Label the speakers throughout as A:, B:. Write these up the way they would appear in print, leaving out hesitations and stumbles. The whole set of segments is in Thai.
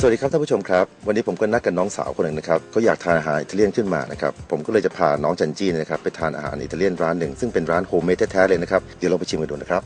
A: วัสดีครับท่านผู้ชมครับวันนี้ผมก็นัดกับน้องสาวคนหนึ่งนะครับเขาอยากทานอาหารอิตาเลียนขึ้นมานะครับผมก็เลยจะพาน้องจันจี้นะครับไปทานอาหารอิตาเลียนร้านหนึ่งซึ่งเป็นร้านโฮมเมดแท้ๆเลยนะครับเดี๋ยวเราไปชิมกันดูนะครับ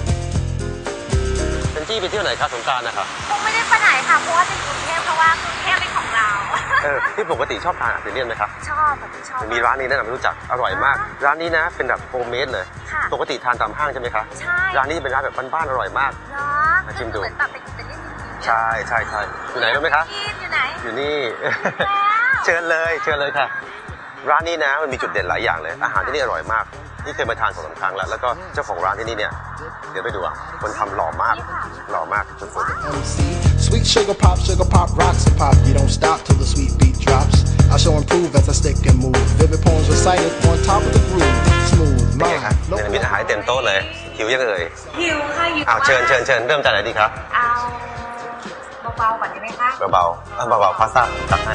B: จันจี้ไปเที่ยวไหนครับสงกรานต์นะครับ
C: คงไม่ได้ไปไหนค่ะเพราะว่าเป็นกรุงเทพเพราะว่ากรุงเทพเป็นของเรา
B: ที่ปกติชอบทานอิตาเลียนไหมครับ
C: ชอบ
B: มีร้านนี้แนะนำให้รู้จักอร่อยมากร้านนี้นะเป็นแบบโฮมเมดเลยปกติทานตามห้างใช่ไหมครับ
C: ใช่
B: ร้านนี้เป็นร้านแบบบ้านๆอร่อยมาก
C: มา
B: ชิมดู
C: เหมือนแบบเป็นอิตาเลียนจริง
B: ๆใช่อยู่ไหนรู้ไหมครับ
C: อยู่ไหน
B: อยู่นี่เชิญเลยค่ะร้านนี้นะมันมีจุดเด่นหลายอย่างเลยอาหารที่นี่อร่อยมากนี่เคยมาทาน2-3 ครั้งแล้วแล้วก็เจ้าของร้านที่นี่เนี่ยเดี๋ยวไปดูอ่ะคนทำหล่อมากสุดๆ
D: Sweet sugar pop, rocks and pop. You don't stop till the sweet beat drops. I shall improve as I stick and move. Vivid poems recited on top of the groove. Smooth,
B: เป็นไงครับมีอาหารเต็มโต๊ะเลยหิวยังเอ่ย
C: หิวค่ะหิว
B: เชิญเริ่มจากไหนดีครับ
C: เอาเบาๆก่อนได้ไหมคะ
B: เบาพาสต้าตักให้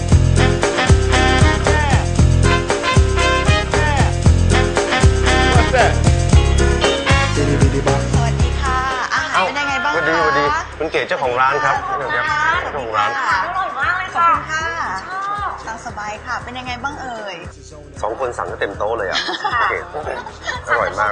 E: สวัสดีค่ะอาหารเป็นยังไงบ้างคะ
B: สวัสดีคุณเก๋เจ้าของร้านครับเจ้าของร้าน
C: อร่อยมากเลยค่ะ
E: ชอบตามสบายค่ะเป็นยังไงบ้างเอ่ย
B: 2 คนสั่งก็เต็มโต๊ะเลยอ่ะอร่อยมาก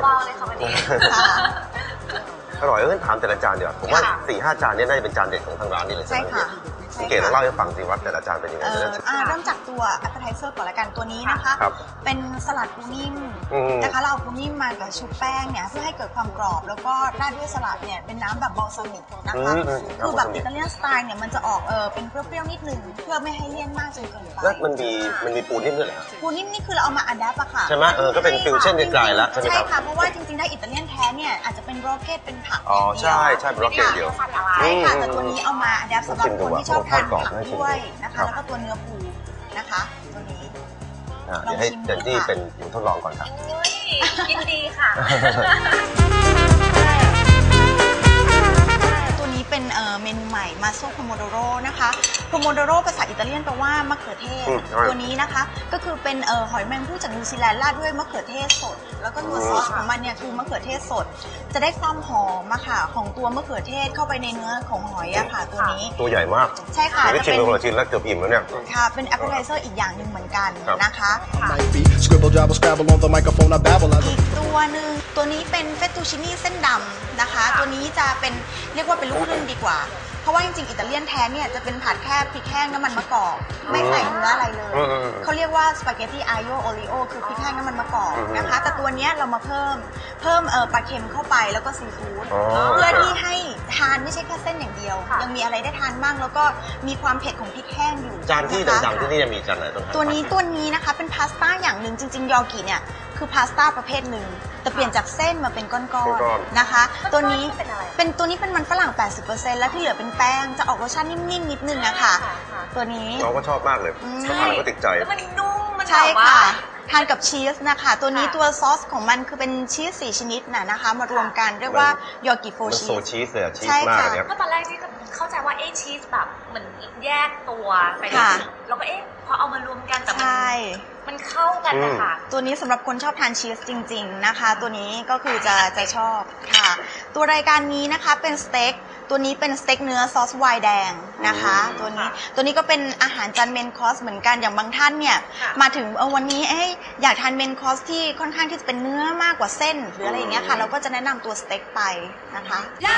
B: อร่อยถามแต่ละจานเดี๋ยวผมว่า 4-5 จานนี้น่าจะเป็นจานเด็ดของทางร้านนี่เลยใช่ไหมคุณเก๋เล่าให้ฟังสิว่าแต่ละจานเป็นยังไง
E: เริ่มจากตัว appetizer ก่อนละกันตัวนี้นะคะเป็นสลัดปูนิ่มนะคะเราเอาปูนิ่มมากับชุบแป้งเนี่ยเพื่อให้เกิดความกรอบแล้วก็ราดด้วยสลัดเนี่ยเป็นน้ำแบบบอลซามิกนะคะคือแบบอิตาเลียนสไตล์เนี่ยมันจะออกเป็นเปรี้ยวๆนิดนึงเพื่อไม่ให้เลี่ยนมากจนเกินไป
B: แล้วมันมีปูนิ่มด้วยเหรอ
E: ปูนิ่มนี่คือเราเอามาอัดแอปอะค่ะ
B: ใช่ไหมก็เป็นฟิวชั่นไกลๆแล้วใช่ไหมครับ
E: ใช่ค่ะเพราะว่าจริงๆถ้าอิตาเลียนแท้เนี่ยอาจจะเป็นโรเกตเป็นผัก
B: ใช่โรเกตเดียว
E: ใช่ค่ะแต่ตัวนี้เอามาอัดแอปสำหรับคนที่ชอบทานผักด้วยนะคะแล้วก็ตัวเนื้อปูนะคะตัวนี้
B: เดี๋ยวให้เจนจี้เป็นผู้ทดลองก่อนครับ
C: ยินดีค่ะ
E: ตัวนี้เป็นเมนูใหม่มาโซโพโมโดโรนะคะโพโมโดโรภาษาอิตาเลียนแปลว่ามะเขือเทศตัวนี้นะคะก็คือเป็นหอยแมงผู้จากนิวซีแลนด์ราดด้วยมะเขือเทศสดแล้วก็ตัวซอสของมันเนี่ยคือมะเขือเทศสดจะได้ความหอมอะค่ะของตัวมะเขือเทศเข้าไปในเนื้อของหอยอะค่ะตัวนี้
B: ตัวใหญ่มาก
E: ใช่ค่ะ
B: จะชิมเป็นคนละชิ้นแล้วเกือบอิ่มแล้วเนี่ย
E: ค่ะเป็น appetizer อีกอย่างหนึ่งเหมือนกันนะคะอีกตัวหนึ่งตัวนี้เป็นเฟตตูชินี่เส้นดำนะคะตัวนี้จะเป็นเรียกว่าเป็นลูกครึ่งดีกว่าเพราะว่าจริงๆอิตาเลียนแท้เนี่ยจะเป็นผัดแค่พริกแห้งน้ำมันมะกอกไม่ใส่เนื้ออะไรเลยเขาเรียกว่าสปาเกตตี้อาโยโอริโอคือพริกแห้งน้ำมันมะกอกนะคะแต่ตัวนี้เรามาเพิ่มปลาเค็มเข้าไปแล้วก็ซีฟู้ดเพื่อที่ให้ทานไม่ใช่แค่เส้นอย่างเดียวยังมีอะไรได้ทานบ้างแล้วก็มีความเผ็ดของพริกแห้งอยู่
B: จานที่ดังๆที่นี่จะมีจานไหน
E: ตัวนี้นะคะเป็นพาสต้าอย่างหนึ่งจริงๆยอกิเนี่ยคือพาสต้าประเภทหนึ่งแต่เปลี่ยนจากเส้นมาเป็นก้อนๆนะคะตัวนี้เป็นมันฝรั่ง 80% แล้วที่เหลือเป็นแป้งจะออกรสชาตินิ่มๆนิดนึงนะคะตัวนี้
B: น้องก็ชอบมากเลยชอบทานแล้วก็ติดใจ
C: มันนุ่มมัน
E: ใช่ค่ะทานกับชีสนะคะตัวนี้ตัวซอสของมันคือเป็นชีส4 ชนิดนะคะมารวมกันเรียกว่ายอกิโฟชีส
B: โซชีสเลยชีสมากเนี่ย
C: เพราะตอนแรกที่เข้าใจว่าชีสแบบเหมือนแยกตัวไปแล้วก็พอเอามารวมกันแต่มันเข้ากันนะคะ
E: ตัวนี้สำหรับคนชอบทานชีสจริงๆนะคะตัวนี้ก็คือจะชอบค่ะตัวรายการนี้นะคะเป็นสเต็กตัวนี้เป็นสเต็กเนื้อซอสไวน์แดงนะคะตัวนี้ก็เป็นอาหารจานเมนคอร์สเหมือนกันอย่างบางท่านเนี่ยมาถึงวันนี้อยากทานเมนคอร์สที่ค่อนข้างที่จะเป็นเนื้อมากกว่าเส้นหรืออะไรอย่างเงี้ยค่ะเราก็จะแนะนำตัวสเต็กไปนะคะ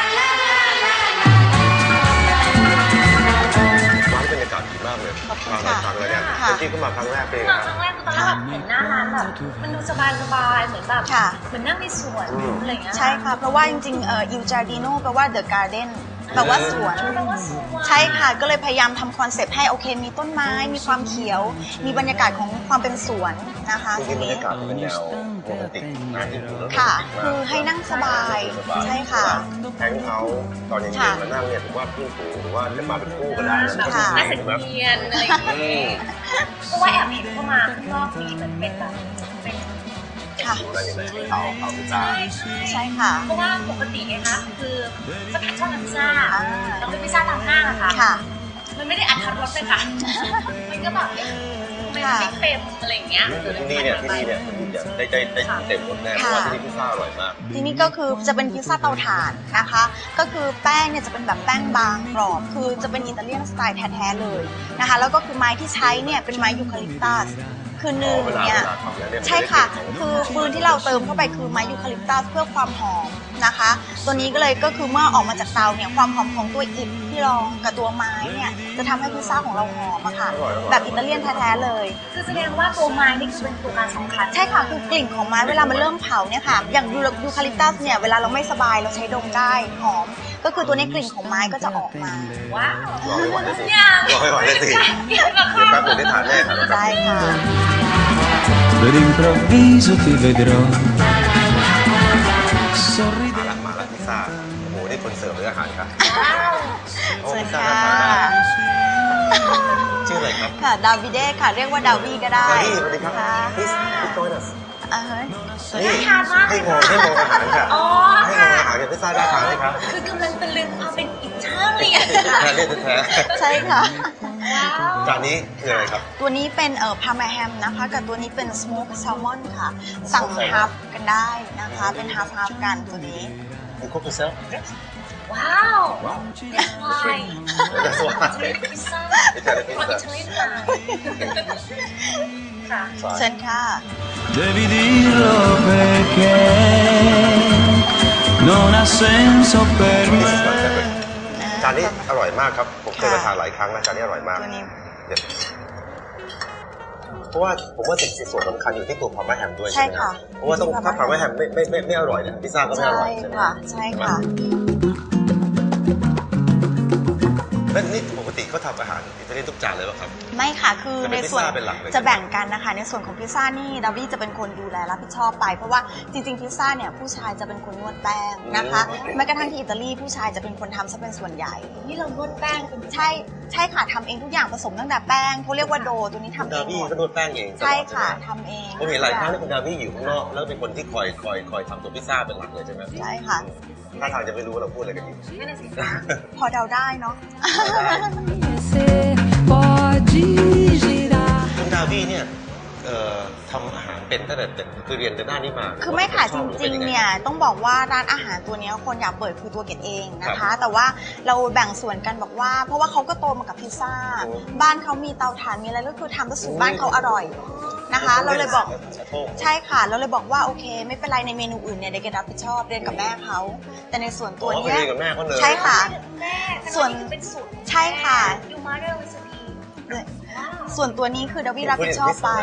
B: ร้านบรรยากาศดีมากเลยมาหลายครั้งแล้วเนี่ยที่ก็มาครั้งแรกเลย
C: ครั้งแรกตอนแรกแบบเห็นหน้าร้านแบบมันดูสบายเหมือนแบบเหมือนนั่งในสวนอะไรอย่างเงี้ย
E: ใช่ค่ะเพราะว่าจริงๆIl Giardino แปลว่า The Garden แปลว่าสวนใช่ค่ะก็เลยพยายามทำคอนเซปต์ให้โอเคมีต้นไม้มีความเขียวมีบรรยากาศของความเป็นสวนนะคะ
B: ตรงนี้บรรยากาศเป็นแนวโรแมนติก
E: ค่ะคือให้นั่งสบายใช่ค่ะ
B: แทงเขาตอนเย็นๆมานั่งเนี่ยถือว่าเพื่อนฝูงหรือว่าจะมาเป็นคู่ก็ได้นะ
C: ค่ะน่าสังเกตอะไรอย่างนี้เพราะว่าแอบเห็นเข้ามาข้างนอกนี้มันเป็นแบบเป็น
E: ค่ะ
B: เอาพิซซ่า
E: ใช่ค่ะ
C: เพราะว่าปกตินะคะคือก็ชอบทานพิซซ่าเราเป็นพิซซ่าตามห้างอะค่ะมันไม่ได้อัดรสเลยค่ะมันก็แบบทำไมมันไม่เค็มอะไรอย่างเงี้ย
B: ที่นี่เนี่ยได้เต็มรสแน่เพราะว่าที่นี่พิซซ่าอร่อยมาก
E: ที่นี่ก็คือจะเป็นพิซซ่าเตาถ่านนะคะก็คือแป้งเนี่ยจะเป็นแบบแป้งบางกรอบคือจะเป็นอิตาเลียนสไตล์แท้ๆเลยนะคะแล้วก็คือไม้ที่ใช้เนี่ยเป็นไม้ยูคาลิปตัสคือหนึ่งเนี่ยใช่ค่ะคือฟืนที่เราเติมเข้าไปคือไม้ยูคาลิปตัสเพื่อความหอมนะคะตัวนี้ก็คือเมื่อออกมาจากเตาเนี่ยความหอมของตัวอิฐที่รองกับตัวไม้เนี่ยจะทำให้พิซซ่าของเราหอมอะค่ะแบบอิตาเลียนแท้ๆเลย
C: คือแสดงว่าตัวไม้นี่เป็นตัวการสำคัญ
E: ใช่ค่ะคือกลิ่นของไม้เวลามันเริ่มเผาเนี่ยค่ะอย่างยูคาลิปตัสเนี่ยเวลาเราไม่สบายเราใช้ดมได้หอมก็คือตัวนี้กลิ่นของไม้ก็จะออกมา
C: ว้าว
B: รอให้ไหวได้สิรอให้ไหวได้สิเดี๋ยวแป๊บนึงได้ทานแน่ค่ะ
E: ใช่ค่ะ
B: d'improvviso ti vedrò มาละพิซซ่าโอ้โหนี่คนเสิร์ฟหรืออาหารครับ
E: เชิญค่ะ
B: ชื่ออะไรครับ
E: ค่ะดาวิเดค่ะเรียกว่าดาวีก็ได้
B: ดาวีสวัสดีครับพี่โต้ยนะ
C: น่าทานมาก
B: ให้มองอาหารค่ะให้มองอาหารกับพิซซ่าน่าทานไหมครับ
C: คือกำลังตะลึงเอาเป็นอิตาเลียน
B: แท้
E: ใช่ค่ะ
B: จานนี้คืออะไรครับ
E: ตัวนี้เป็นพาร์มาแฮมนะคะกับตัวนี้เป็นสโมกแซลมอนค่ะสั่งฮาฟกันได้นะคะเป็นฮาฟกันตัวนี้
B: You cook yourself?
C: Wow! That's why.
B: That's why.
C: Pizza. Italianค่ะ
E: เชิญค่ะ
F: Devi dirlo perché non ha senso per me
B: จานนี้อร่อยมากครับผมเคยมาทานหลายครั้งนะจานนี้อร่อยมากเพราะว่าผมว่าสิ่งส่วนสำคัญอยู่ที่ตัวพาร์มาแฮมด้วยใช่ไหมครับเพราะว่าต้องถ้าพาร์มาแฮมไม่อร่อยเนี่ยพิซซ่าก็ไม่อร่อยใช่ไหม
E: ใช่ค่ะ
B: แล้วนี่ปกติเขาทำอาหารอิตาเลียนทุกจานเลยป่ะครับ
E: ไม่ค่ะคือในส่วนจะแบ่งกันนะคะในส่วนของพิซซ่านี่ดาวี่จะเป็นคนดูแลรับผิดชอบไปเพราะว่าจริงๆพิซซ่าเนี่ยผู้ชายจะเป็นคนนวดแป้งนะคะแม้กระทั่งที่อิตาลีผู้ชายจะเป็นคนทำซะเป็นส่วนใหญ่
C: นี่เรานวดแป้ง
E: ใช่ค่ะทำเองทุกอย่างผสมตั้งแต่แป้งเขาเรียกว่าโดตัวนี้ทำเอง
B: ดาวี่ก็นวดแป้งเอง
E: ใช่ค่ะทำเอง
B: ผมเห็นหลายครั้งที่คุณดาวี่อยู่ข้างนอกแล้วเป็นคนที่คอยทำตัวพิซซ่าเป็นหลักเลยใช่ไหม
E: ใช่ค่ะ
B: ถ้าทางจะไม่รู้ว่าเราพูดอะไรกันอยู่
E: พอเดาได้เนาะ
B: คุณดาวี่เนี่ยทำอาหารเป็นตั้งแต่คือเรียนด้านนี้มา
E: คือไม่ค่ะจริงๆเนี่ยต้องบอกว่าร้านอาหารตัวนี้คนอยากเปิดคือตัวเกดเองนะคะแต่ว่าเราแบ่งส่วนกันบอกว่าเพราะว่าเขาก็โตมากับพิซซ่าบ้านเขามีเตาถ่านมีอะไรก็คือทำแล้วสูตรบ้านเขาอร่อยนะคะเราเลยบอกใช่ค่ะเราเลยบอกว่าโอเคไม่เป็นไรในเมนูอื่นเนี่ยเด็กรับผิดชอบเรียนกับแม่เขาแต่ในส่วนตัวนี้ใช่ค่ะส่วนใช่ค่ะส่วนตัวนี้คือดาวี่รับผิดชอบไป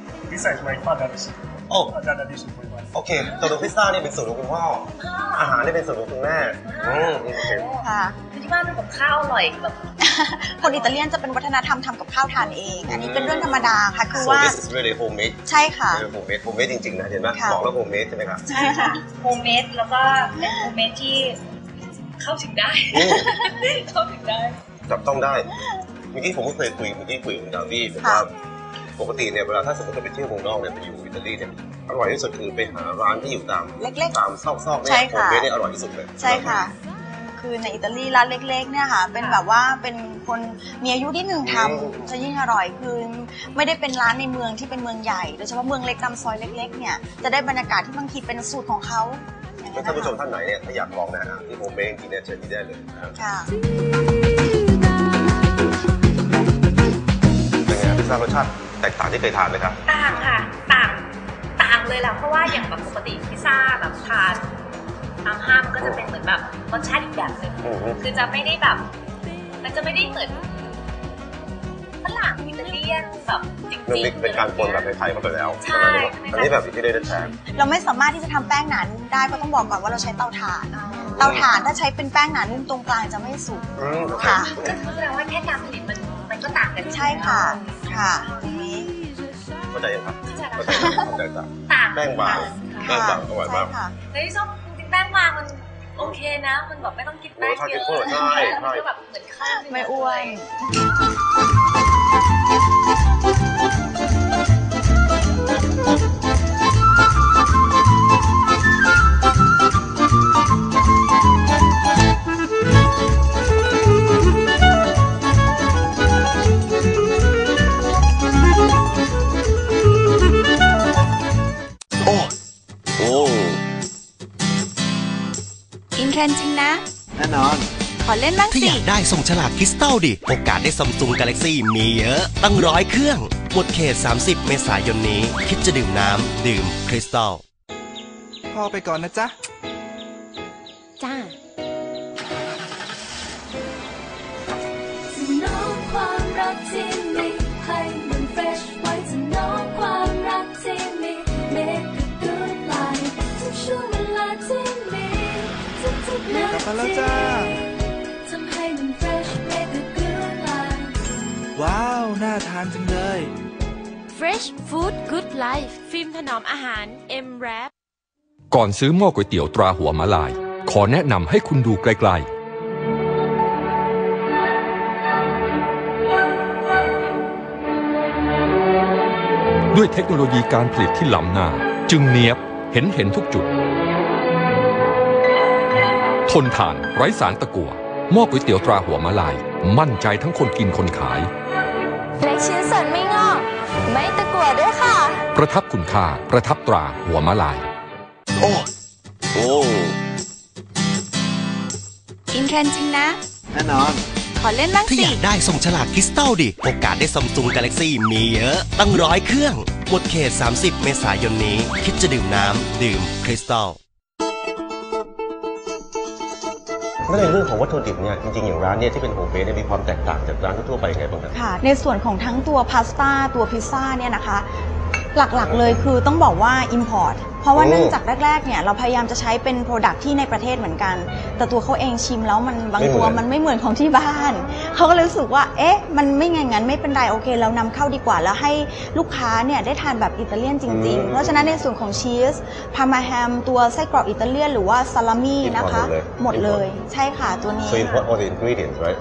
B: โอเคตัวพิซซ่านี่เป็นสูตรของคุณพ่ออาหารนี่เป็นสูตรของคุณแม่
E: ค่ะ
C: ที่บ้านทำกับข้าวอร่อยแบบ
E: คนอิตาเลียนจะเป็นวัฒนธรรมทำกับข้าวทานเองอันนี้เป็นเรื่องธรรมดาค่ะคือว่า
B: this is really homemade
E: ใช่ค่ะ
B: homemade จริงๆนะเห็นไหมบอกแล้ว homemade ใช่ไหมครับ
E: ใช่ค่ะ
C: homemade แล้วก็เป็น homemade ที่เข้าถึงได้
B: จับต้องได้เมื่อกี้ผมก็เคยคุยกับดาวี่บอกว่าปกติเนี่ยเวลาถ้าสมมติเราไปเที่ยวเมืองนอกเนี่ยไปอยู่อิตาลีเนี่ยอร่อยที่สุดคือไปหาร้านที่อยู่ตามซอกๆเนี่ยโฮมเมดเนี่ยอร่อยที่สุดเลย
E: ใช่ค่ะคือในอิตาลีร้านเล็กๆเนี่ยค่ะเป็นแบบว่าเป็นคนมีอายุที่หนึ่งทำจะยิ่งอร่อยคือไม่ได้เป็นร้านในเมืองที่เป็นเมืองใหญ่โดยเฉพาะเมืองเล็กตามซอยเล็กๆเนี่ยจะได้บรรยากาศที่บางทีเป็นสูตรของเขา
B: ท่านผู้ชมท่านไหนเนี่ยถ้าอยากลองนะฮะที่โฮมเมดจริงๆเนี่ยเชิญที่ได้เลย
E: ค่ะ
B: เป็นไงพิซซ่ารสชาติแตกต่างที่เคยทานไหมครับ
C: ต่างค่ะต่างเลยแหละเพราะว่าอย่างแบบปกติพิซซ่าแบบทานตามห้างมันก็จะเป็นเหมือนแบบรสชาติอีกแบบหนึ่งคือจะไม่ได้แบบมันจะไม่ได้เหมือนฝรั่งอิตาเลียนแบบจริงๆ
B: เป็นการปนแบบไทยๆมาไปแล้ว
C: ใช่
B: อันนี้แบบที่ได้แท้
E: เราไม่สามารถที่จะทำแป้งหนานุ่มได้เพราะต้องบอกก่อนว่าเราใช้เตาถ่านถ้าใช้เป็นแป้งหนานุ่มตรงกลางจะไม่สุก
C: ค่ะก็แสดงว่าแค่การผลิตมันก็ต่างกัน
E: ใช่ค่ะตรงนี้
B: เข้าใจยังครับเข้าใจต่างแป้งบางอร่อยมาก
C: ในที่สุดจริงๆแป้งบางมันโอเคนะมันแบบไม่ต้องกินแป้งเยอะ
B: ใช่
C: มันก็แบบเหมือนข้าว
E: ไม่อ้วน
G: เล่นบ้างสิถ้าอยากได้ส่งฉลากคริสตัลดิโอกาสได้ซัมซุงกาแล็กซี่มีเยอะตั้ง100 เครื่องหมดเขต30 เมษายนนี้คิดจะดื่มน้ำดื่มคริสตัล
H: พ่อไปก่อนนะจ๊ะ
I: จ้าน้องความรักที่มีให้มันเฟรชไว้จะน้องความรักที่มี Make a good life ทุกช่วงเวลาที่มีทุกๆนาทีทำให้มันเฟรช Make a good life
H: ว้าวน่าทานจังเลย
I: Fresh Food Good Life ฟิล์มถนอมอาหาร M-Wrap
J: ก่อนซื้อหม้อก๋วยเตี๋ยวตราหัวม้าลายขอแนะนำให้คุณดูไกลๆด้วยเทคโนโลยีการผลิตที่ล้ำหน้าจึงเนียบเห็นทุกจุดทนทานไร้สารตะกั่วหม้อก๋วยเตี๋ยวตราหัวม้าลายมั่นใจทั้งคนกินคนขาย
I: เล็กชิ้นส่วนไม่งอกไม่ตะกั่วด้วยค่ะ
J: ประทับคุณค่าประทับตราหัวม้าลาย
B: โอ้
G: อินเทรนด์จริงนะ
H: แน่นอน
G: ขอเล่นบ้างสิถ้าอยากได้ส่งฉลากคริสตัลดิโอกาสได้ซัมซุงกาแล็กซี่มีเยอะตั้ง100 เครื่องหมดเขต30 เมษายนนี้คิดจะดื่มน้ำดื่มคริสตัล
B: แล้วในเรื่องของวัตถุดิบเนี่ยจริงๆอย่างร้านเนี่ยที่เป็นโฮมเมดมีความแตกต่างจากร้านทั่วไปไงบ้างครับ
E: ค่ะในส่วนของทั้งตัวพาสต้าตัวพิซซ่าเนี่ยนะคะหลักๆเลยคือต้องบอกว่า import เพราะว่าเนื่องจากแรกๆเนี่ยเราพยายามจะใช้เป็น product ที่ในประเทศเหมือนกันแต่ตัวเขาเองชิมแล้วมันบางตัวมันไม่เหมือนของที่บ้านเขาก็เลยรู้สึกว่าเอ๊ะมันไม่งั้นไม่เป็นไรโอเคเรานำเข้าดีกว่าแล้วให้ลูกค้าเนี่ยได้ทานแบบอิตาเลียนจริงๆเพราะฉะนั้นในส่วนของชีสพาร์มาแฮมตัวไส้กรอกอิตาเลียนหรือว่าซาลามี่นะคะหมดเลยใช่ค่ะตัวนี้
B: So import all the ingredients right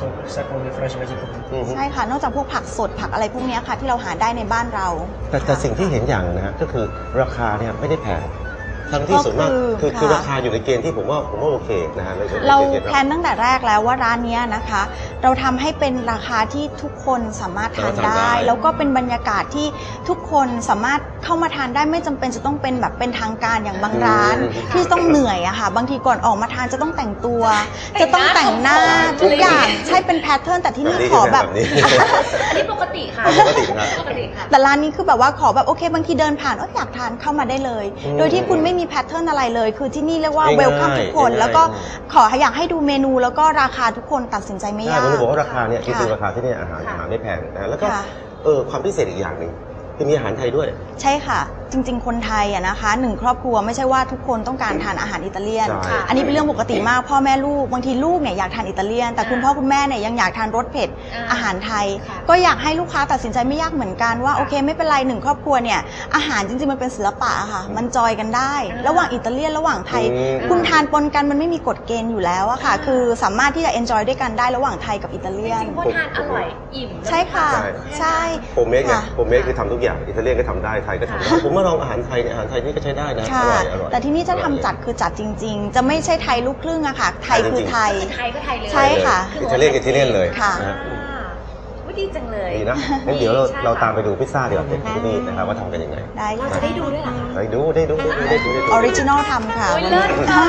E: ใช่ค่ะนอกจากพวกผักสดผักอะไรพวกนี้ค่ะที่เราหาได้ในบ้านเรา
B: แต่สิ่งที่เห็นอย่างนะฮะก็คือราคาเนี่ยไม่ได้แพงทั้งที่ส่วนมากคือราคาอยู่ในเกณฑ์ที่ผมว่าโอเคนะฮะ
E: เราแพลนตั้งแต่แรกแล้วว่าร้านนี้นะคะเราทำให้เป็นราคาที่ทุกคนสามารถทานได้แล้วก็เป็นบรรยากาศที่ทุกคนสามารถเข้ามาทานได้ไม่จำเป็นจะต้องเป็นแบบเป็นทางการอย่างบางร้านที่ต้องเหนื่อยอะค่ะบางทีก่อนออกมาทานจะต้องแต่งตัวจะต้องแต่งหน้าทุกอย่างใช่เป็นแพทเทิร์นแต่ที่นี่ขอแบบ
C: อันนี้ปกติค่ะปกติค่ะ
E: แต่ร้านนี้คือแบบว่าขอแบบโอเคบางทีเดินผ่านอยากทานเข้ามาได้เลยโดยที่คุณไม่มีแพทเทิร์นอะไรเลยคือที่นี่เรียกว่าเวลคัมทุกคนแล้วก็อยากให้ดูเมนูแล้วก็ราคาทุกคนตัดสินใจไม่ยาก
B: ผมบอกว่าราคาเนี่ยคือราคาที่นี่อาหารไม่แพงนะแล้วก็ความพิเศษอีกอย่างหนึ่งคือมีอาหารไทยด้วย
E: ใช่ค่ะจริงๆคนไทยอะนะคะ1 ครอบครัวไม่ใช่ว่าทุกคนต้องการทานอาหารอิตาเลียนอันนี้เป็นเรื่องปกติมากพ่อแม่ลูกบางทีลูกเนี่ยอยากทานอิตาเลียนแต่คุณพ่อคุณแม่เนี่ยยังอยากทานรสเผ็ดอาหารไทยก็อยากให้ลูกค้าตัดสินใจไม่ยากเหมือนกันว่าโอเคไม่เป็นไร1 ครอบครัวเนี่ยอาหารจริงๆมันเป็นศิลปะค่ะมันจอยกันได้ระหว่างอิตาเลียนระหว่างไทยคุณทานปนกันมันไม่มีกฎเกณฑ์อยู่แล้วอะค่ะคือสามารถที่จะเอนจอยด้วยกันได้ระหว่างไทยกับอิตาเลียน
C: คนทานอร่อยอิ่ม
E: ใช่ค่ะใช่
B: โฮมเมดไงโฮมเมดคือทำทุกอย่างอิตาเลียนก็ทำได้ไทยก็ทำได้ผมมาลองอาหารไทยเนี่ยอาหารไทยนี่ก็ใช้ได้นะอร่อย
E: แต่ที่นี่จะทำจัดคือจัดจริงๆจะไม่ใช่ไทยลูกครึ่งอะค่ะไทยคือไทย
C: ไทยก็ไทยเลย
E: ใช่ค่ะ
B: อิตาเลียนกับอิตาเลียนเลย
E: ค่ะ
C: ดีจังเลย
B: ดีนะงั้นเดี๋ยวเราตามไปดูพิซซ่าเดี๋ยวที่นี่นะครับว่าทำกันยังไง
E: ได้
C: เราจะได้ดูด้วยเหรอ
B: ได้ดู
E: ออริจินอลทำค่ะ
C: เลิศค่ะ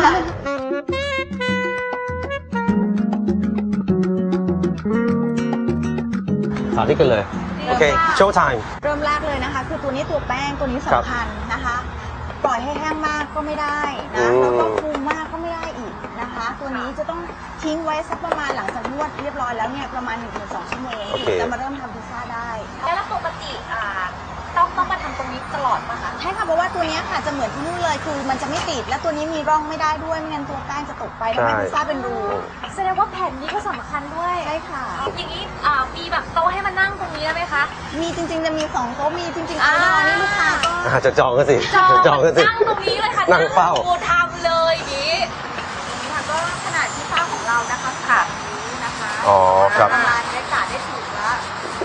B: สาธิตกันเลยโอเคโชว์ไทม์
E: เริ่มแรกเลยนะคะคือตัวนี้ตัวแป้งตัวนี้สำคัญนะคะปล่อยให้แห้งมากก็ไม่ได้นะแล้วก็ฟูมากก็ไม่ได้อีกนะคะตัวนี้จะต้องทิ้งไว้สักประมาณหลังจากนวดเรียบร้อยแล้วเนี่ยประมาณ 1-2 ชั่วโมงจะมาเริ่มทำพิซซ่าได้
C: แล้วปกติต้องมาทำตรงนี้ตลอดป่ะคะ
E: ใช่ค่ะเพราะว่าตัวนี้ค่ะจะเหมือนที่นู่นเลยคือมันจะไม่ติดและตัวนี้มีร่องไม่ได้ด้วยไม่งั้นตัวแป้งจะตกไปทำให้พิซซ่าเป็นรู
C: แสดงว่าแผ่นนี้ก็สำคัญด้วย
E: ใช่ค่ะ
C: อย่างนี้มีแบบโต๊ะให้มานั่งตรงนี้ได้ไหมคะ
E: มีจริงๆจะมี2 โต๊ะมีจริงๆนี่ลูกค้าก็
B: จะจองกันสิ
C: จองกันสินั่งตรงนี้เลยค่ะ
B: นั่งเฝ้า
C: ทำเลยอย่างนี้
E: ค่ะก็ขนาดพิซซ่าของเรานะคะค่ะนี้นะคะ
B: ครับ
E: ประมาณได้กาดได้ถูกแล้ว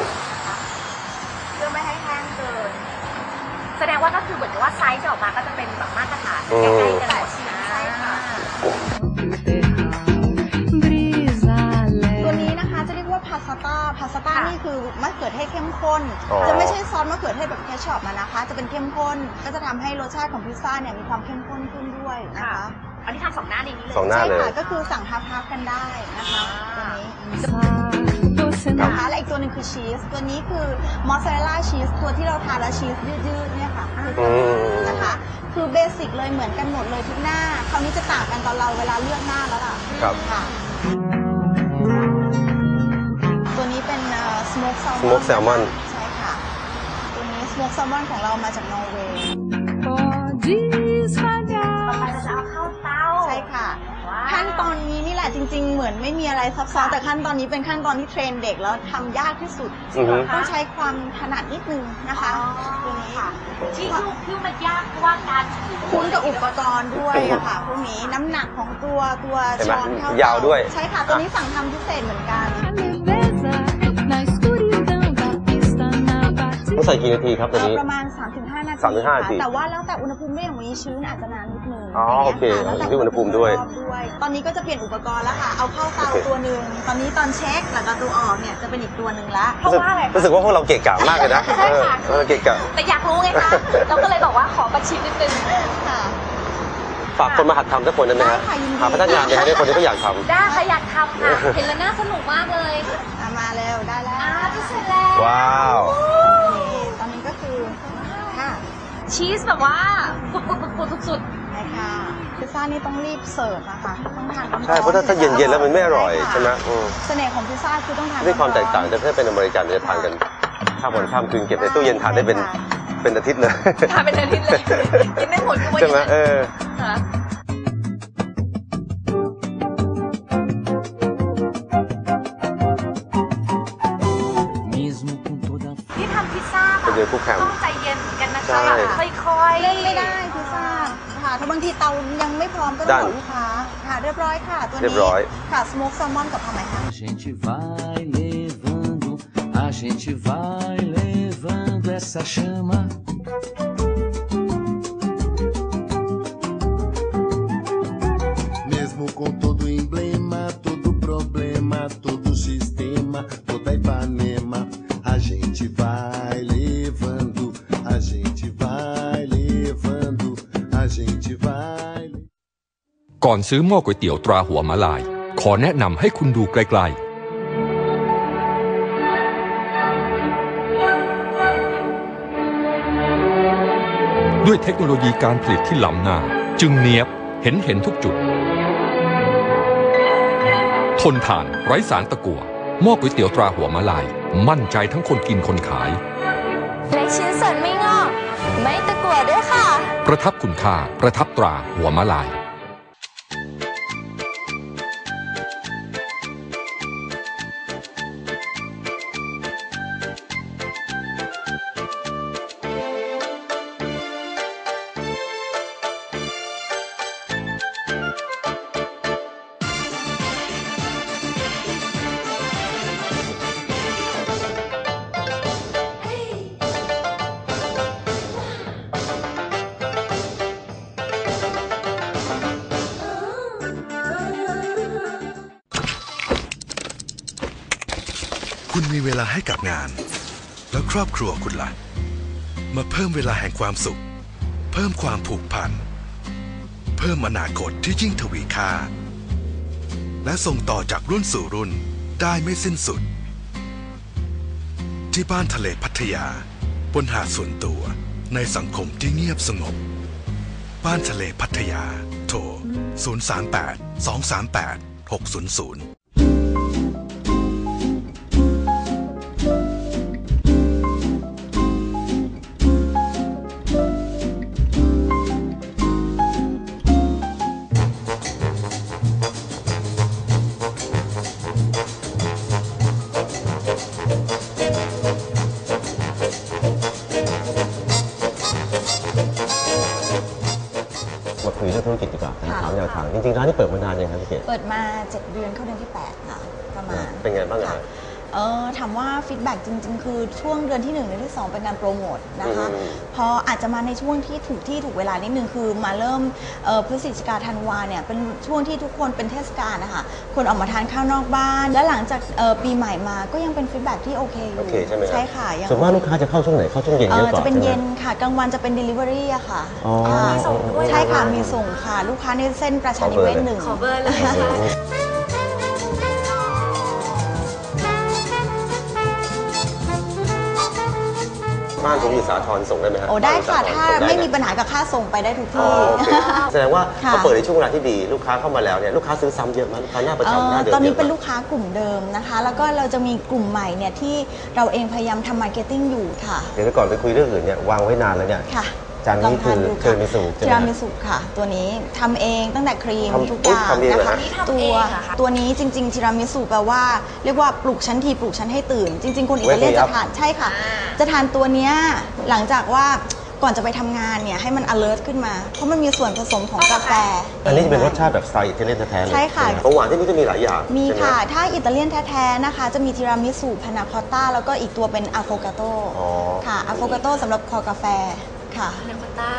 E: เพื่อไม่ให้แห้งเกิน
C: แสดงว่าก็คือเหมือนกับว่าไซส์จะออกมาก็จะเป็นแบบมาตรฐานใกล้ๆกันหมด
E: ใช่ค่ะตัวนี้นะคะจะเรียกว่าพาสต้านี่คือมะเขือเทศเข้มข้นจะไม่ใช่ซอสมะเขือเทศแบบแคชชอปนะคะจะเป็นเข้มข้นก็จะทำให้รสชาติของพิซซ่าเนี่ยมีความเข้มข้นขึ้นด้วยนะคะ
C: อันนี้ทำ2 หน้าในนี้เลย
B: 2 หน้าเลย
E: ใช่ค่ะก็คือสั่งฮับกันได้นะคะตัวนี้นะคะและอีกตัวหนึ่งคือชีสตัวนี้คือมอสซาเรลล่าชีสตัวที่เราทานแล้วชีสยืดๆเนี่ยค่ะคือตัวนี้นะคะคือเบสิกเลยเหมือนกันหมดเลยทุกหน้าคราวนี้จะต่างกันตอนเราเวลาเลือกหน้าแล้วล่ะ
B: ครับ
E: ค่ะตัวนี้เป็นสโมกแซลมอน
B: Smoked salmon
E: ใช่ค่ะตัวนี้สโมกแซลมอนของเรามาจากนอร์เวย์
C: ต่อไปเราจะเอาเข้าเตา
E: ใช่ค่ะ
C: ว้าว
E: ขั้นตอนนี้นี่แหละจริง ๆ เหมือนไม่มีอะไรซับซ้อนแต่ขั้นตอนนี้เป็นขั้นตอนที่เทรนเด็กแล้วทำยากที่สุด
B: อือฮึ
E: ต้องใช้ความถนัดนิดนึงนะคะตัวนี้ค่ะ
C: ที่มันยากเพราะว่าการถือ
E: คุ้นกับอุปกรณ์ด้วยอะค่ะพวกนี้น้ำหนักของตัว
B: เห็นไหม
E: ช้อนเท่าย
B: าวด้วย
E: ใช่ค่ะตัวนี้สั่งทำพิเศษเหมือนกัน
B: ต้องใส่กี่นาทีครับตัวนี้
E: ประมาณ 3-5 นาที
B: 3-5 นาที
E: ค่ะแต่ว่าแล้วแต่อุณหภูมิด้วยอย่างวันนี้ชื้นอาจจะนานนิดนึง
B: อ๋อโอเค
E: แล้วแต่
B: อยู่ที่อุณหภูมิด้วย
E: ตอนนี้ก็จะเปลี่ยนอุปกรณ์แล้วค่ะ เอาเข้าเตา
B: โอเค
E: ตัวหนึ่งตอนนี้ตอนเช็คแล้วก็ตัวออกเนี่ยจะเป็นอีกตัวหนึ่งละ
C: เพราะว่าอะไร
B: รู้สึกว่าพวกเราเกะกะมากเลยนะ
C: ใช่ค่ะ
B: เกะกะ
C: แต่อยากรู้ไงคะเราก็เลยบอกว่าขอประชิดนิดนึง
E: ค่ะ
B: ฝากคนมาหัดทำสักคนได้ไหมฮะ
E: ได้ค่ะยินดี
B: หาพนักงานไหมฮะได้คนที่เขาอยากทำ
C: ได้ค่ะอยากทำค่ะ เห็นแล้วน่าสนุกมากเลย
E: มาเร็วได้แล้ว
C: จะเสร็จแล้ว
B: ว้าว
E: นี่ตอนนี้ก็คือค่ะ
C: ชีสแบบว่าปุดสุด
E: ใช่ค่ะพิซซ่านี่ต้องรีบเสิร์ฟนะคะต้องทานร้อนๆ
B: ใช่เพราะถ้าเย็นๆแล้วมันไม่อร่อยใช่ไหมอืม
E: เสน่ห์ของพิซซ่าคือต้องทาน
B: ด้วยความแตกต่าง
E: ร้อน
B: แต่ถ้าเป็นอเมริกันจะทานกันข้ามวันข้ามคืนเก็บในตู้เย็นทานได้เป็นอาทิตย์เลย
C: ๆทานเป็นอาทิตย์เลยกินไม่หมดก็ว่าอ
B: ใช่ไหม
C: ย่างนั้น ค่ะ ที่ทำพิซซ่าแบ
B: เป็น
C: บ
B: เดือนคู่แข่ง
C: ต้องใจเย็นเหมือนกันนะ
B: ใช่
C: คะแบบค่อยๆ
E: เล่นไม่ได้พิซซ่าค่ะถ้าบางทีเตายังไม่พร้อมก็ต้องบอกลูกค้าค่ะเรียบร้อยค่ะตัว
B: เรีย
E: นี้
B: บร้อย
E: ค่ะสโมกแซลมอนกับทำไมคะ
F: A gente vai levando, a gente vai levando essa chama.
K: Mesmo com todo emblema, todo problema, todo sistema, toda Ipanema, a gente vai levando, a gente vai levando, a gente vai.
J: ก่อนซื้อหม้อก๋วยเตี๋ยวตราหัวมะลาย ขอแนะนำให้คุณดูไกลๆ ด้วยเทคโนโลยีการผลิตที่ล้ำหน้า จึงเนียบเห็นทุกจุด ทนทานไร้สารตะกั่วหม้อก๋วยเตี๋ยวตราหัวมะลาย มั่นใจทั้งคนกินคนขาย
I: เล็กชิ้นส่วนไม่งอก ไม่ตะกั่วด้วยค่ะ
J: ประทับคุณค่าประทับตราหัวมะลาย
L: คุณมีเวลาให้กับงาน แล้วครอบครัวคุณล่ะ มาเพิ่มเวลาแห่งความสุข เพิ่มความผูกพัน เพิ่มอนาคตที่ยิ่งทวีค่า และส่งต่อจากรุ่นสู่รุ่นได้ไม่สิ้นสุด ที่บ้านทะเลพัทยา บนหาดส่วนตัวในสังคมที่เงียบสงบ บ้านทะเลพัทยา โทร 038 238 600
B: มาคุยเรื่องธุรกิจดีกว่าถามแนวทางจริงๆร้านนี้เปิดมานานยังครับพี่เกศ
E: เปิดมา7 เดือนเข้าเดือนที่8ค่ะประมาณ
B: เป็นไงบ้างครั
E: ค่ะ
B: บ
E: ถามว่าฟีดแบ็กจริงๆคือช่วงเดือนที่1เดือนที่2เป็นการโปรโมทนะคะพออาจจะมาในช่วงที่ถูกเวลานิดนึงคือมาเริ่มพฤศจิกาธันวาเนี่ยเป็นช่วงที่ทุกคนเป็นเทศกาลนะคะคนออกมาทานข้าวนอกบ้านและหลังจากปีใหม่มาก็ยังเป็นฟีดแบ็กที่โอเคอยู่ใช่ไหมใช่ค่ะส่วนมากลูกค้าจะเข้าช่วงไหนเข้าช่วงเย็นเยอะกว่าจะเป็นเย็นค่ะกลางวันจะเป็น delivery อะค่ะมีส่งด้วยใช่ค่ะมีส่งค่ะลูกค้าในเส้นประชานิเวศ1ขอเบอร์เลย
B: บ้านผมอยู่สาทรส่งได้ไหมครับ
E: ได้ค่ะถ้าไม่มีปัญหากับค่าส่งไปได้ทุกที่
B: แสดงว่าเขาเปิดในช่วงเวลาที่ดีลูกค้าเข้ามาแล้วเนี่ยลูกค้าซื้อซ้ำเยอะมั้ยลูกค้าหน้าประจำหน้าเดิมตอนนี้เป็นลูกค้ากลุ่มเดิมนะคะแล้วก็เราจะมีกลุ่มใหม่เนี่ยที่เราเองพยายามทำมาร์เก็ตติ้งอยู่ค่ะเดี๋ยวก่อนไปคุยเรื่องอื่นเนี่ยวางไว้นานแล้วเนี่ยจานนี้คือเทอร์มิสุ
E: เทอร์มิสุค่ะตัวนี้ทำเองตั้งแต่ครีมทุกอย่างนะคะตัวนี้จริงๆทีรามิสุแปลว่าเรียกว่าปลุกชั้นทีปลุกชั้นให้ตื่นจริงๆคนอิตาเลียนจะทานใช่ค่ะจะทานตัวเนี้ยหลังจากว่าก่อนจะไปทำงานเนี่ยให้มัน alert ขึ้นมาเพราะมันมีส่วนผสมของกาแฟ
B: อันนี้จะเป็นรสชาติแบบสไตล์อิตาเลียนแท้ๆเลยใช่ค่ะของหวานที่นี่จะมีหลายอย่าง
E: มีค่ะถ้าอิตาเลียนแท้ๆนะคะจะมีทีรามิสุพานาคอตต้าแล้วก็อีกตัวเป็นอะโฟกาโต้ค่ะอะโฟกาโต้สำหรับคอกาแฟค่ะ
C: พานาคอตต้า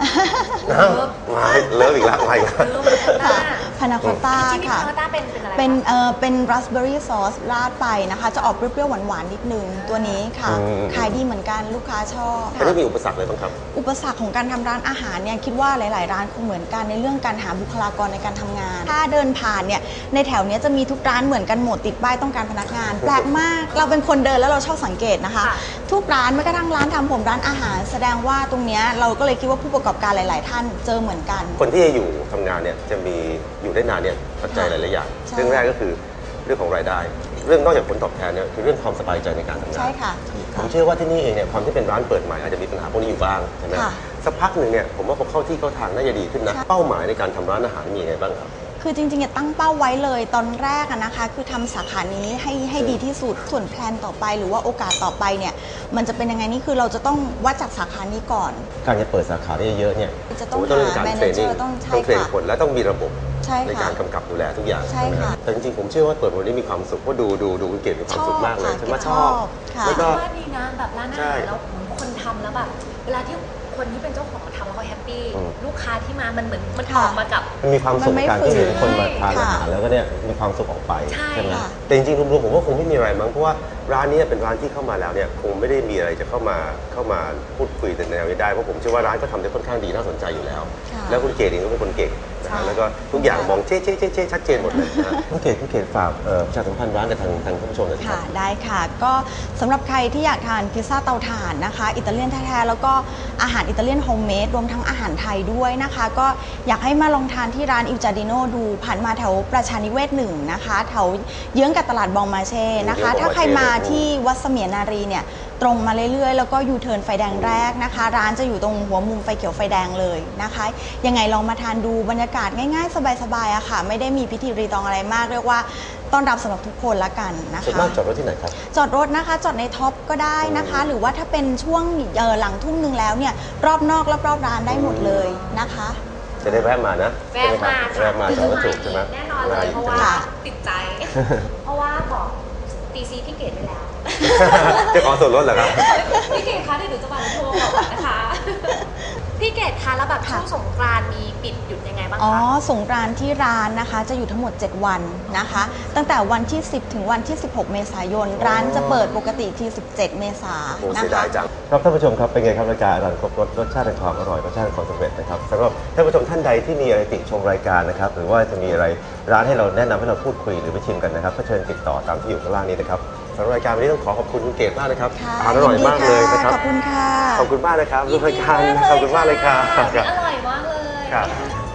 B: เลิฟอีกแล้วอะไรกัน
E: พานาคอตต้าค่ะเป็นราสเบอร์รี่ซอสราดไปนะคะจะออกเปรี้ยวๆหวานๆนิดนึงตัวนี้ค่ะขายดีเหมือนกันลูกค้าชอบ
B: อันนี้มีอุปสรรคอะไรบ้างครับ
E: อุปสรรคของการทำร้านอาหารเนี่ยคิดว่าหลายๆร้านคงเหมือนกันในเรื่องการหาบุคลากรในการทำงานถ้าเดินผ่านเนี่ยในแถวนี้จะมีทุกร้านเหมือนกันหมดติดป้ายต้องการพนักงานแปลกมากเราเป็นคนเดินแล้วเราชอบสังเกตนะคะทุกร้านแม้กระทั่งร้านทำผมร้านอาหารแสดงว่าตรงนี้เราก็เลยคิดว่าผู้ประกอบการหลายๆท่านเจอเหมือนกัน
B: คนที่จะอยู่ทำงานเนี่ยจะมีอยู่ได้นานเนี่ยปัจจัยหลายๆอย่างเรื่องแรกก็คือเรื่องของรายได้เรื่องนอกจากผลตอบแทนเนี่ยคือเรื่องความสบายใจในการทำงาน
E: ใช่ค่ะ
B: ผมเชื่อว่าที่นี่เองเนี่ยความที่เป็นร้านเปิดใหม่อาจจะมีปัญหาพวกนี้อยู่บ้างใช่ไหมสักพักหนึ่งเนี่ยผมว่าพอเข้าที่เข้าทางน่าจะดีขึ้นนะเป้าหมายในการทำร้านอาหารมีอะไรบ้างครับ
E: คือจริงๆตั้งเป้าไว้เลยตอนแรกนะคะคือทำสาขานี้ให้ดีที่สุดส่วนแพลนต่อไปหรือว่าโอกาสต่อไปเนี่ยมันจะเป็นยังไงนี่คือเราจะต้องวัดจากสาขานี้ก่อน
B: การจะเปิดสาขาได้เยอะเนี่ย
E: จะต้องหาแมเนเจอร์ต้อง
B: เทรนคนและต้องมีระบบในการกำกับดูแลทุกอย่าง
E: ใช่ค่ะ
B: แต่จริงๆผมเชื่อว่าเปิดวันนี้มีความสุขเพราะดูคุณเกดมีความสุขมากเลยฉันว่าชอบ
C: แล้วก็ดีนะแบบร้านอาหารแล้วคนทำแล้วแบบเวลาที่คนที่เป็นเจ้าของทำแล้วเขาแฮปปี้ลูกค้าที่มามันเหมือนมันออกมากับ
B: มันมีความสุขการที่เห็นคนมาทานอาหารแล้วก็เนี่ยมีความสุขออกไปใช่ไหมแต่จริงๆรวมๆผมว่าคงไม่มีอะไรมั้งเพราะว่าร้านนี้เป็นร้านที่เข้ามาแล้วเนี่ยคงไม่ได้มีอะไรจะเข้ามาพูดคุยแต่แนวนี้ได้เพราะผมเชื่อว่าร้านก็ทำได้ค่อนข้างดีน่าสนใจอยู่แล้วแล้วคุณเกดเองก็เป็นคนเก่งนะฮะแล้วก็ทุกอย่างมองเช่ชัดเจนหมดเลยนะคุณเกดฝากประชาสัมพันธ์ร้านกับทางผู้ชมหน่อย
E: ค่ะได้ค่ะก็สำหรับใครที่อยากทานพิซซ่าเตาถ่านนะคะอิตาเลียนแท้ๆแล้วก็อาหารอิตาเลียนโฮมเมดรวมทั้งอาหารไทยด้วยนะคะก็อยากให้มาลองทานที่ร้านอิลจาดิโนดูผ่านมาแถวประชานิเวศ1นะคะแถวเยื้องกับตลาดบองมาเช่นะคะถ้าใครมาที่วัดเสมียนารีเนี่ยตรงมาเรื่อยๆแล้วก็ยูเทิร์นไฟแดงแรกนะคะร้านจะอยู่ตรงหัวมุมไฟเขียวไฟแดงเลยนะคะยังไงลองมาทานดูบรรยากาศง่ายๆสบายๆอะค่ะไม่ได้มีพิธีรีตองอะไรมากเรียกว่าต้อนรับสำหรับทุกคนละกันนะคะ
B: ส่วนมากจอดรถที่ไหนครับ
E: จอดรถนะคะจอดในท็อปก็ได้นะคะหรือว่าถ้าเป็นช่วงหลังทุ่มนึงแล้วเนี่ยรอบนอกรอบร้านได้หมดเลยนะคะ
B: จะได้แวะมานะ
C: แวะมา
B: จอดรถถูกใช่ไหม
C: แน่นอนเลยเพราะว่าติดใจเพราะว่าบอกตีซีพี่เกดไปแล้ว
B: จะขอส่วนลดเหรอครับ
C: พี่เกดคะเดี๋ยวหนูจะมาโทรบอกนะคะพี่เกดคะแล้วแบบช่วงสงกรานต์มีปิดหยุดยังไงบ้างคะ
E: สงกรานต์ที่ร้านนะคะจะอยู่ทั้งหมด7วันนะคะตั้งแต่วันที่10ถึงวันที่16เมษายนร้านจะเปิดปกติที่17เมษายนนะคะ
B: เสียดายจังครับท่านผู้ชมครับเป็นไงครับรายการอร่อยครบรสรสชาติแห่งความอร่อยรสชาติแห่งความสำเร็จนะครับสำหรับท่านผู้ชมท่านใดที่มีอะไรติชมรายการนะครับหรือว่าจะมีอะไรร้านให้เราแนะนำให้เราพูดคุยหรือไปชิมกันนะครับก็เชิญติดต่อตามที่อยู่ข้างล่างนี้นะครับสำหรับรายการวันนี้ต้องขอบคุณคุณเกดมากนะครับอาหารอร่อยมากเลยนะครับ
E: ขอบคุณค่ะ
B: ขอบคุณมากนะครับรูปรายการขอบคุณมากเลยค่ะ
C: อร่อยมากเลย
B: ครับ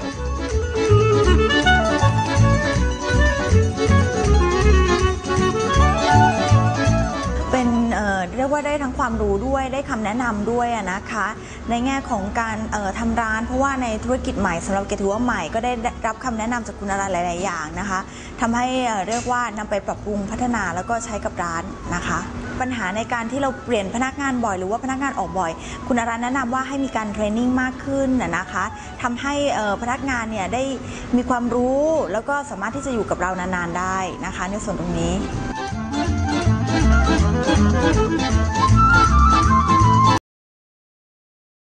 E: เป็นเรียกว่าได้ทั้งความรู้ด้วยได้คำแนะนำด้วยนะคะในแง่ของการทำร้านเพราะว่าในธุรกิจใหม่สำหรับเกดถือว่าใหม่ก็ได้รับคำแนะนำจากคุณอารันหลายๆอย่างนะคะทำให้เรียกว่านำไปปรับปรุงพัฒนาแล้วก็ใช้กับร้านนะคะปัญหาในการที่เราเปลี่ยนพนักงานบ่อยหรือว่าพนักงานออกบ่อยคุณอารันแนะนำว่าให้มีการเทรนนิ่งมากขึ้นนะคะทำให้พนักงานเนี่ยได้มีความรู้แล้วก็สามารถที่จะอยู่กับเรานานๆได้นะคะในส่วนตรงนี้